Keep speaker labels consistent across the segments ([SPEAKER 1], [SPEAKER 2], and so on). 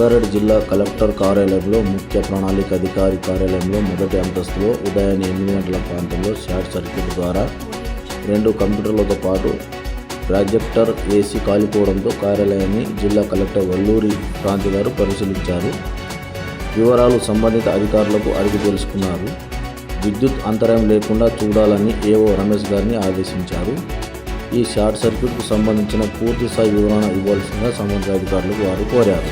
[SPEAKER 1] రంగారెడ్డి జిల్లా కలెక్టర్ కార్యాలయంలో ముఖ్య ప్రణాళిక అధికారి కార్యాలయంలో మొదటి అంతస్తులో ఉదయాన్నే 8 గంటల ప్రాంతంలో షార్ట్ సర్క్యూట్ ద్వారా 2 కంప్యూటర్లతో పాటు ప్రాజెక్టర్ ఏసీ కాలిపోవడంతో కార్యాలయాన్ని జిల్లా కలెక్టర్ వల్లూరి క్రాంతి గారు పరిశీలించారు. వివరాలు సంబంధిత అధికారులకు అడిగి తెలుసుకున్నారు. విద్యుత్ అంతరాయం లేకుండా చూడాలని ఏఓ రమేష్ గారిని ఆదేశించారు. ఈ షార్ట్ సర్క్యూట్కు సంబంధించిన పూర్తి స్థాయి వివరణ ఇవ్వాల్సిందిగా సంబంధిత అధికారులకు వారు కోరారు.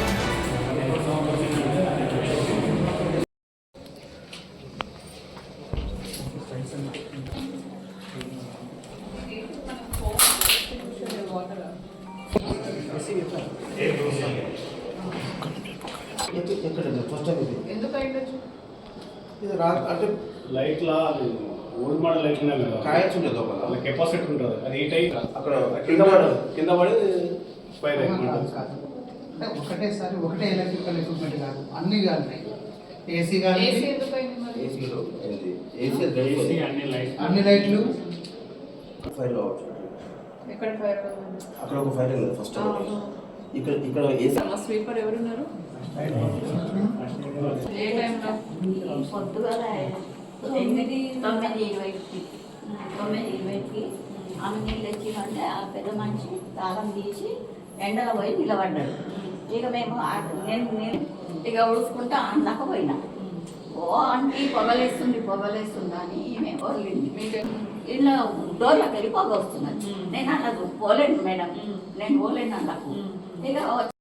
[SPEAKER 2] అంటే
[SPEAKER 3] లైట్లా ఓల్డ్ మోడల్ లైట్ ఉన్నాయి కదా,
[SPEAKER 2] కాయచ్చు ఉండదు
[SPEAKER 3] అలా కెపాసిటీ ఉంటుంది. అది ఈ టైప్
[SPEAKER 2] అక్కడ
[SPEAKER 3] కింద పడి ఫైర్
[SPEAKER 4] అంటే ఒకటేసారి ఒకటే ఎలక్ట్రికల్ ఎక్విప్మెంట్ కాదు, అన్ని కాదు. ఏసీ కానీ అన్ని లైట్లు
[SPEAKER 2] ఫైర్ కావచ్చు. అక్కడ ఒక ఫైర్ అయింది ఫస్ట్. ఇక్కడ ఏసీ
[SPEAKER 5] స్వీపర్ ఎవరున్నారు? ఏ టైంలో?
[SPEAKER 6] పొద్దుగాల 9:20కి ఆమె నీళ్ళు వచ్చిందంటే ఆ పెద్ద మనిషి తాళం తీసి ఎండలో పోయి నిలబడ్డాడు. ఇక మేము నేను ఇక ఉడుచుకుంటా అన్నాక పోయినా. ఓ అంటే పొగలేస్తుంది అని మేము పోలింది. ఇలా డోర్లోకి వెళ్ళి పొగ వస్తున్నది. నేను అన్నది పోలేను మేడం, నేను పోలేను అన్నకు. ఇక